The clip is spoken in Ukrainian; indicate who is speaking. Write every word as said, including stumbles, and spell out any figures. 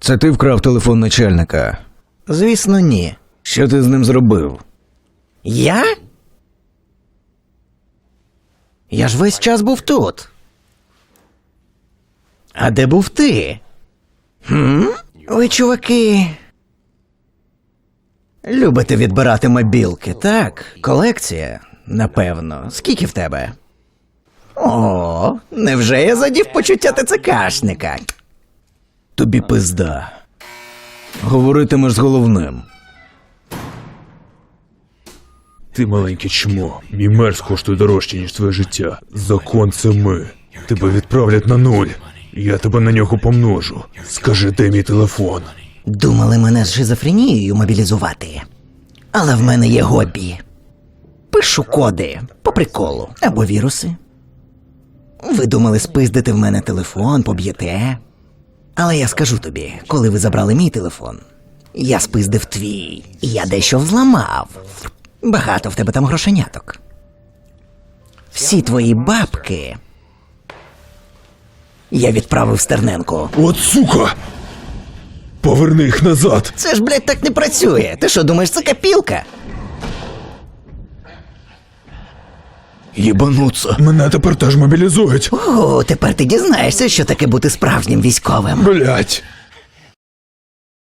Speaker 1: Це ти вкрав телефон начальника?
Speaker 2: Звісно, ні.
Speaker 1: Що ти з ним зробив?
Speaker 2: Я? Я ж весь час був тут. А де був ти? Хм? Ви, чуваки, любите відбирати мобілки, так? Колекція, напевно. Скільки в тебе? О, невже я задів почуття ТЦКшника?
Speaker 1: Тобі пизда. Говоритимеш з головним.
Speaker 3: Ти маленьке чмо. Мій мерз коштує дорожче, ніж твоє життя. Закон це ми. Тебе відправлять на нуль. Я тебе на нього помножу. Скажи, де мій телефон?
Speaker 2: Думали мене з шизофренією мобілізувати. Але в мене є хобі. Пишу коди по приколу або віруси. Ви думали спиздити в мене телефон, поб'єте. Але я скажу тобі, коли ви забрали мій телефон, я спиздив твій, і я дещо взламав. Багато в тебе там грошеняток. Всі твої бабки я відправив Стерненку.
Speaker 3: От сука! Поверни їх назад!
Speaker 2: Це ж, блядь, так не працює. Ти що, думаєш, це копілка?
Speaker 1: Єбануться.
Speaker 3: Мене тепер теж мобілізують.
Speaker 2: О, тепер ти дізнаєшся, що таке бути справжнім військовим.
Speaker 3: Блять.